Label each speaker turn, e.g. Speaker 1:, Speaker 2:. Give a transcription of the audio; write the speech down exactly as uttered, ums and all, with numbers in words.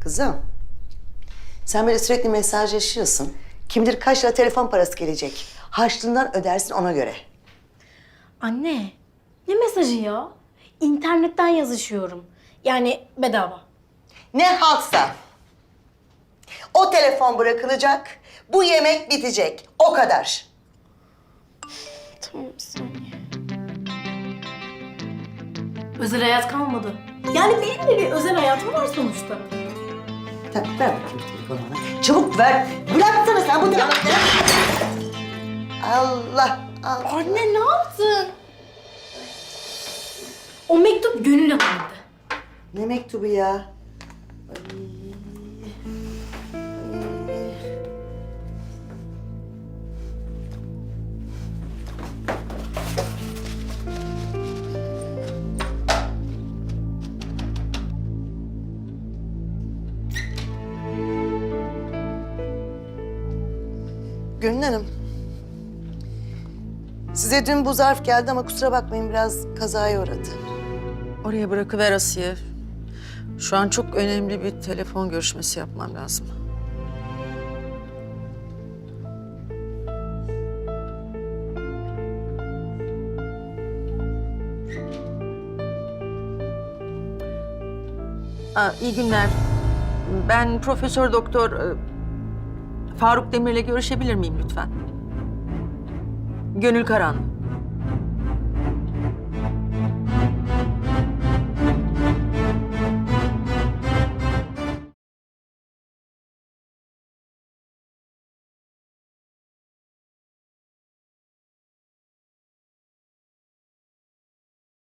Speaker 1: Kızım, sen böyle sürekli mesajlaşıyorsun. Kim bilir kaç lira telefon parası gelecek. Harçlığından ödersin ona göre.
Speaker 2: Anne, ne mesajı ya? İnternetten yazışıyorum. Yani bedava.
Speaker 1: Ne haltsa. O telefon bırakılacak, bu yemek bitecek. O kadar.
Speaker 2: Tamam, bir saniye. Özel hayat kalmadı. Yani benim de bir özel hayatım var sonuçta.
Speaker 1: Ver, ver bakayım telefonu bana. Çabuk ver. Bıraksana sen bu telefonu. Allah Allah.
Speaker 2: Anne ne yaptın? O mektup Gönül Hanım'dı.
Speaker 1: Ne mektubu ya? Ay. Ay. Gönül Hanım. Size dün bu zarf geldi ama kusura bakmayın biraz kazaya uğradı.
Speaker 3: Oraya bırakıver Asiye. Şu an çok önemli bir telefon görüşmesi yapmam lazım. Aa, iyi günler. Ben Profesör Doktor e, Faruk Demir'le görüşebilir miyim lütfen? Gönül Karan.